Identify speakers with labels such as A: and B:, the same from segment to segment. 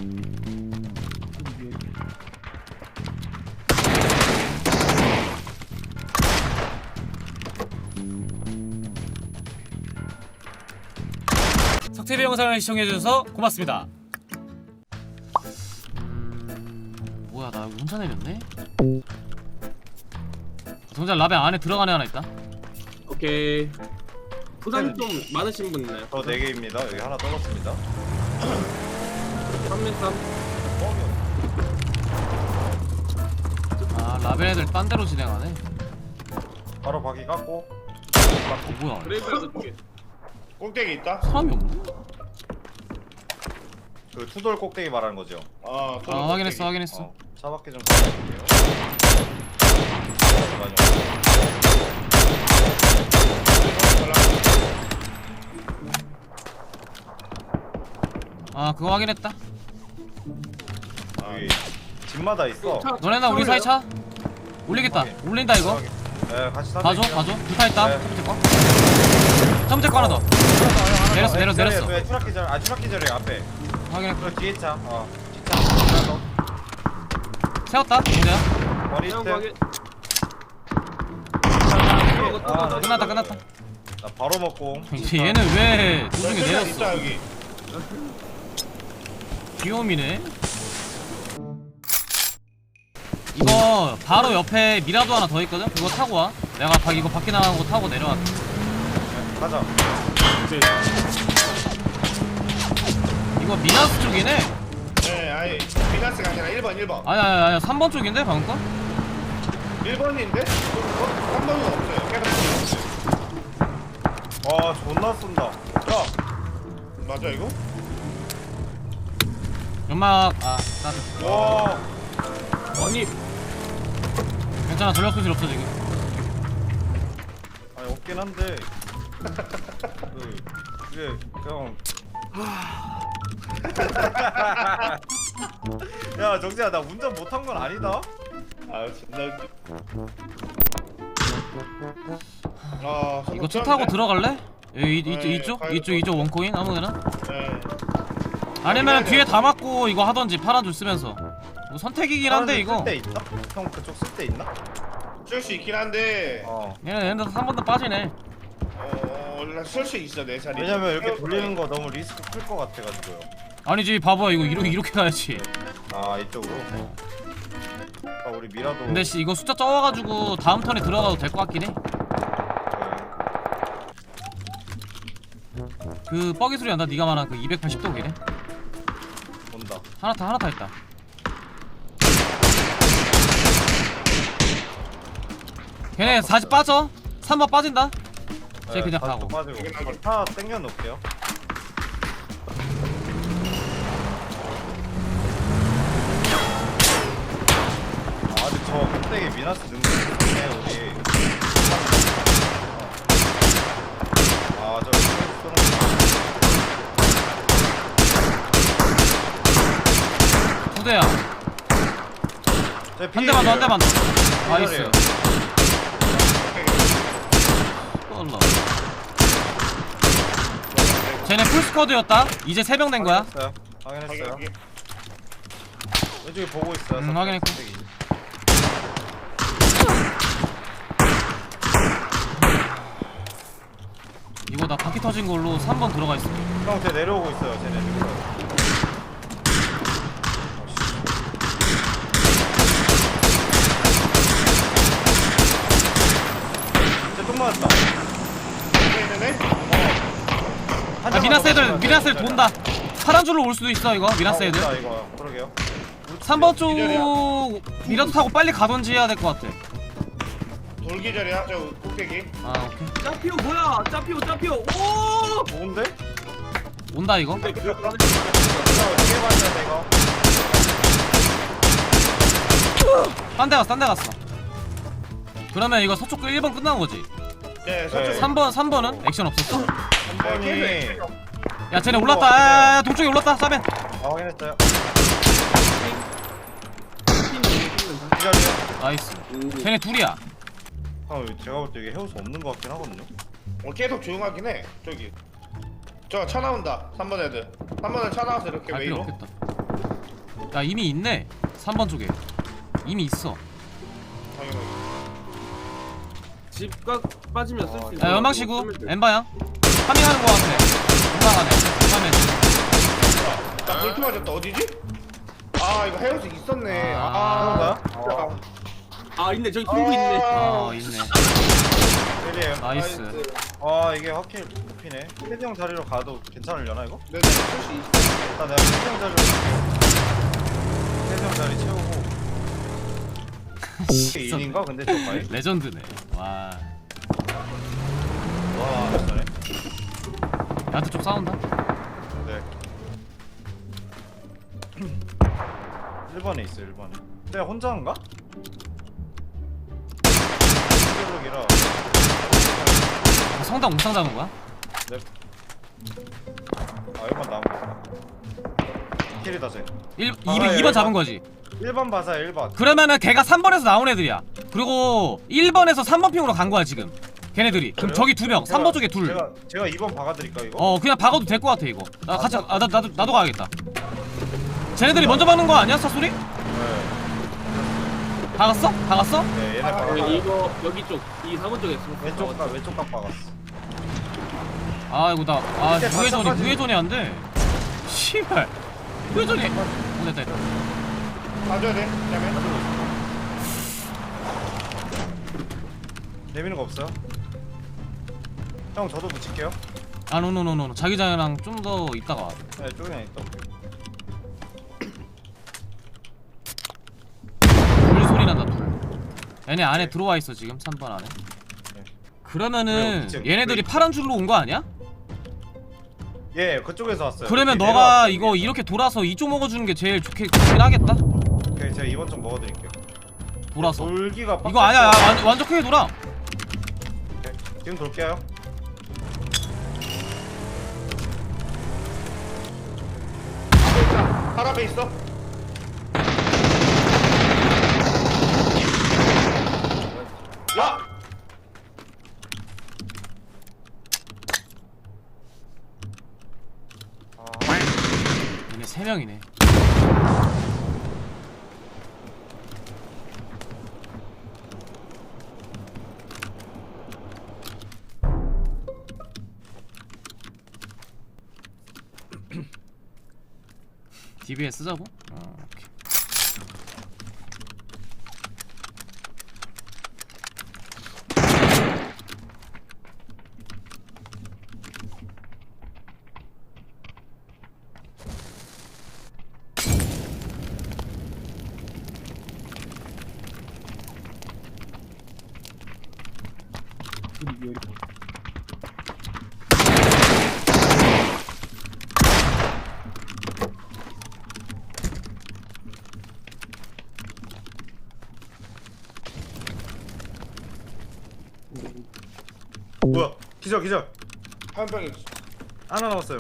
A: 석TV 영상을 시청해주셔서 고맙습니다. 뭐야, 나 여기 혼자 내렸네? 정작 라벤 안에 들어간 애 하나 있다.
B: 오케이. 부산 좀 많으신 분 있나요?
C: 저 4개입니다. 여기 하나 떨어졌습니다.
B: 3m3.
A: 아, 라벤 애들 딴 데로 진행하네.
C: 바로 바퀴 깎고.
A: 뭐야,
B: 그레이브야드 쪽에.
D: 꼭대기 있다?
A: 사람이 없네?
C: 그 투돌 꼭대기 말하는 거죠.
D: 아,
A: 아, 확인했어, 확인했어.
C: 차 밖에 좀 가볼게요.
A: 아, 그거 확인했다.
C: 여기 집마다 있어.
A: 너네나 우리 사이 차? 올리겠다.
C: 확인.
A: 올린다 이거.
C: 네, 같이
A: 봐줘,
C: 사드릴게요.
A: 봐줘. 불타 있다.
C: 네.
A: 첫 번째 거 하나 더. 내렸어, 내렸어.
C: 왜 추락기 절? 아, 추락기 절에 앞에.
A: 확인했고.
C: 그 뒤에 차. 뒷차. 하나 더.
A: 세웠다. 문제야.
C: 머리
B: 그냥
C: 밑에.
B: 가게.
C: 나
A: 끝났다, 끝났다.
C: 나 바로 먹고.
A: 얘는 왜 도중에
D: 있다
A: 내렸어?
D: 여기.
A: 귀요미네. 이거 바로 옆에 미라도 하나 더 있거든? 그거 타고 와. 내가 이거 밖에 나가는 거 타고 내려갈게.
C: 가자.
A: 이거 미나스 쪽이네?
D: 네, 아니 비나스가 아니라 1번.
A: 아니야 3번 쪽인데 방금 거?
D: 1번인데? 3번은 없어요. 계속
C: 와, 존나 쏜다. 야,
D: 맞아 이거?
A: 연막 나도.
C: 와.
B: 아니,
A: 괜찮아, 전력 소실 없어 지금.
C: 아니 없긴 한데. 그게 그냥. 야, 정재야, 나 운전 못한 건 아니다.
D: 아, 존나 웃기. 아,
A: 이거 차 타고 들어갈래?
D: 네,
A: 이쪽 원코인 아무데나?
D: 네.
A: 아니면 뒤에 다 맞고 이거 하던지 파란 줄 쓰면서. 뭐 선택이긴 한데 이거.
C: 쓸데 있나? 형 그쪽 쓸 데 있나?
D: 쓸수 있긴 한데
A: 얘는 3번 더 빠지네.
D: 쓸수 있어 내 자리.
C: 왜냐면 이렇게 돌리는 거 너무 리스크 클 것 같아가지고요.
A: 아니지, 봐봐, 이거 이렇게 가야지.
C: 아, 이쪽으로. 아, 우리 미라도.
A: 근데 씨, 이거 숫자 적어가지고 다음 턴에 들어가도 될 것 같긴 해. 그 뻐기 소리 난다. 네가 말한 그 280도기네.
C: 온다.
A: 하나 타 있다. 걔네 40 빠져. 3번 빠진다. 쟤 그냥
C: 다시
A: 가고.
C: 또 빠지고. 차 땡겨 놓을게요. 아, 근데 저 꼭대기 미나스 능력이네 우리. 아, 저 쏘는
A: 두 대야.
C: 거.
A: 한 대만 더, 한 대만 더. 나이스. 올라. 쟤네 풀스쿼드였다. 이제 3명 된 거야.
C: 확인했어요. 왼쪽에 보고 있어요.
A: 확인했고.
C: 꼭대기.
A: 이거 나 바퀴 터진 걸로 3번 들어가 있어.
C: 형, 쟤 내려오고 있어요. 쟤네 지금. 쟤 똥 맞았다.
A: 아, 미나스 애들 돈다. 파란 줄로 올 수도 있어 이거. 미나스 애들.
C: 온다, 이거. 그러게요.
A: 3번 쪽 미라도 타고 빨리 가던지 해야 될 것 같아.
D: 돌기절이야 저 꼭대기.
A: 아, 오케이.
B: 짜피오 뭐야? 짜피오. 오!
C: 좋은데?
A: 온다 이거.
B: 근데 그
C: 이거 어떻게 맞아야 돼, 이거?
A: 딴 데 갔어. 그러면 이거 서쪽 1번 끝난 거지.
D: 네, 서쪽.
A: 3번은 액션 없었어?
C: 한 번이.
A: 야, 쟤네 올랐다. 동쪽에 올랐다. 싸면.
C: 확인했어요.
B: 핀
C: 기다려.
A: 나이스. 쟤네 둘이야.
C: 제가 볼 때 이게 해올 수 없는 것 같긴 하거든요.
D: 계속 조용하긴 해. 저기. 저 차 나온다. 3번 애들. 3번에 차 나와서 이렇게
A: 갈 필요
D: 웨이로.
A: 없겠다. 야 이미 있네 3번 쪽에 이미 있어.
D: 당연하게.
B: 집각 빠지면 쓸 수 있는.
A: 야 연막시구 엠바야 파밍하는 거 같아. 올라가네 다음에.
D: 나 볼트 맞았다. 어디지? 아 이거 헤어스 있었네.
A: 아,
C: 그런가요?
B: 아 있네 저기 돌고 있네.
A: 있네.
C: 일이에요.
A: 나이스.
C: 이게 확실히 높이네. 헤드 형 자리로 가도 괜찮으려나 이거?
D: 네, 쓸수 있어.
C: 일단 내가 헤드 형 자리로 헤드 형 자리 채우고 이게 인인가? 근데 저 바위?
A: 레전드네. 와
C: 와 잘해.
A: 얘한테 좀 싸운다.
C: 네 1번에 있어 1번에 내가 혼자인가? 기록이라
A: 성당 옥상 잡은 거야?
C: 네. 1번 나온 거 킬이다 쟤
A: 2번 잡은 거지.
C: 1번 봐서 1번
A: 그러면은 걔가 3번에서 나온 애들이야. 그리고 1번에서 3번 핑으로 간 거야 지금 걔네들이. 그럼
C: 그래요?
A: 저기 2명 3번 쪽에 둘.
C: 제가 2번 박아드릴까 이거?
A: 그냥 박아도 될 것 같아 이거. 나 같이 나도 가야겠다. 쟤네들이 먼저 박는 거 아니야 사소리?
C: 네,
A: 박았어? 박았어?
C: 네 얘네 박아
B: 이거 여기 쪽 이 4번 쪽에 있어.
C: 왼쪽 각 박았어
A: 아이고 나
C: 밑에
A: 무회전이
C: 답답하지.
A: 무회전이 안 돼. 씨발 무회전이. 됐다.
D: 봐줘야 돼. 그다음에
C: 내미는 거 없어요? 형 저도 붙일게요
A: 노노노노 자기장이랑 좀 더 있다가 와.
C: 네 쪼그냥 있다
A: 불 소리 난다 불. 얘네 안에 들어와 있어 지금 3번 안에.
C: 네.
A: 그러면은
C: 왜요?
A: 얘네들이 파란 줄로 온 거 아니야?
C: 예 그쪽에서 왔어요
A: 그러면
C: 이렇게
A: 너가
C: 내려왔어요,
A: 이거
C: 위에서.
A: 이렇게 돌아서 이쪽 먹어주는 게 제일 좋긴 하겠다.
C: 오케이 제가 2번 좀 먹어드릴게요
A: 돌아서.
C: 돌기가
A: 이거 아니야 완전 크게 돌아.
C: 오케이. 지금 돌게요
D: 팔 앞에 있어. 야!
A: 얘네 3명이네. DBS 쓰자고? 오케이.
C: 뭐야 기절
D: 한 병이 있어.
C: 하나 남았어요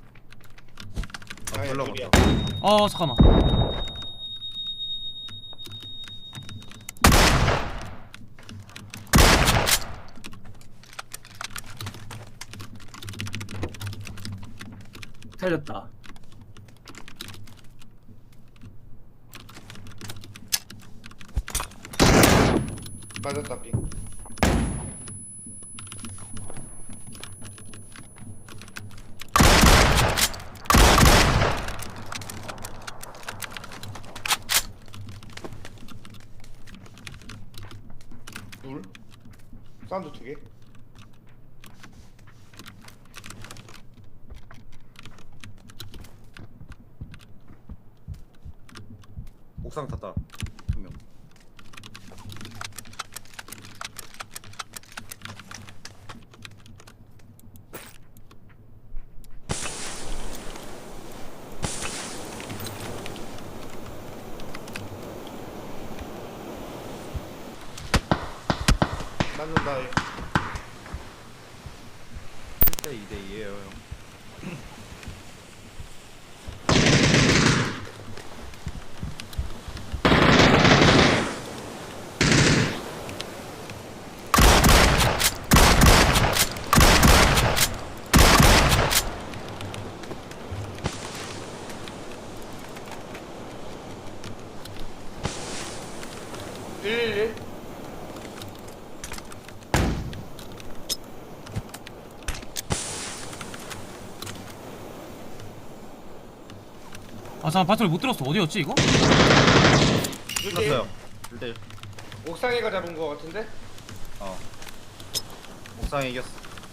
D: 아니,
C: 올라가.
D: 둘이야.
A: 잠깐만.
B: 살렸다.
D: 맞았다 빙. 둘. 사운드 2개.
C: 옥상 탔다 한명
D: 맞는다.
C: 1대 2대 2에요 형
D: 111.
A: 아 잠깐 바트를 못 들었어. 어디였지 이거?
C: 끝났어요 1대1
D: 옥상에가 잡은 거 같은데?
C: 옥상에 이겼어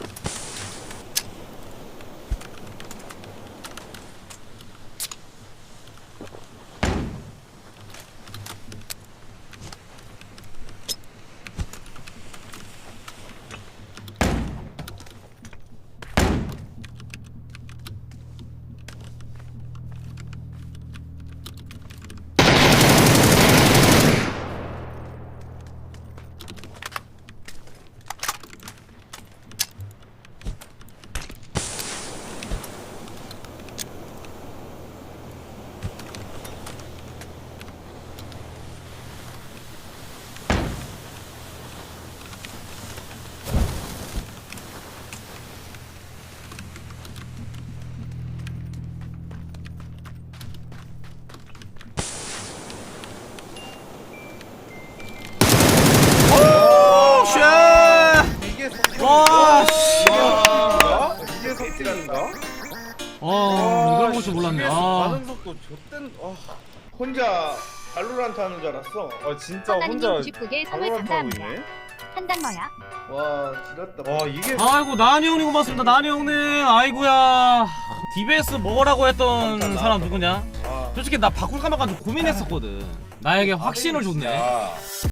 C: 이게
A: 와, 씨.
C: 이게 석진인가?
A: 이걸 볼 줄 몰랐네.
C: 반응 속도 좆된
D: 혼자 발로란트 하는 줄 알았어.
C: 진짜 혼자
E: 하나님 99개 선물
C: 발로란트 하고
E: 감사합니다.
C: 있네
E: 한단머야.
D: 와, 지렸다.
C: 와 이게
A: 아이고 나니 형님 고맙습니다. 나니 형님. 아이고야. DBS 먹으라고 했던 사람 누구냐?
D: 아,
A: 솔직히 나 바꿀까 말까 좀 고민했었거든. 나에게 확신을 줬네.
C: 야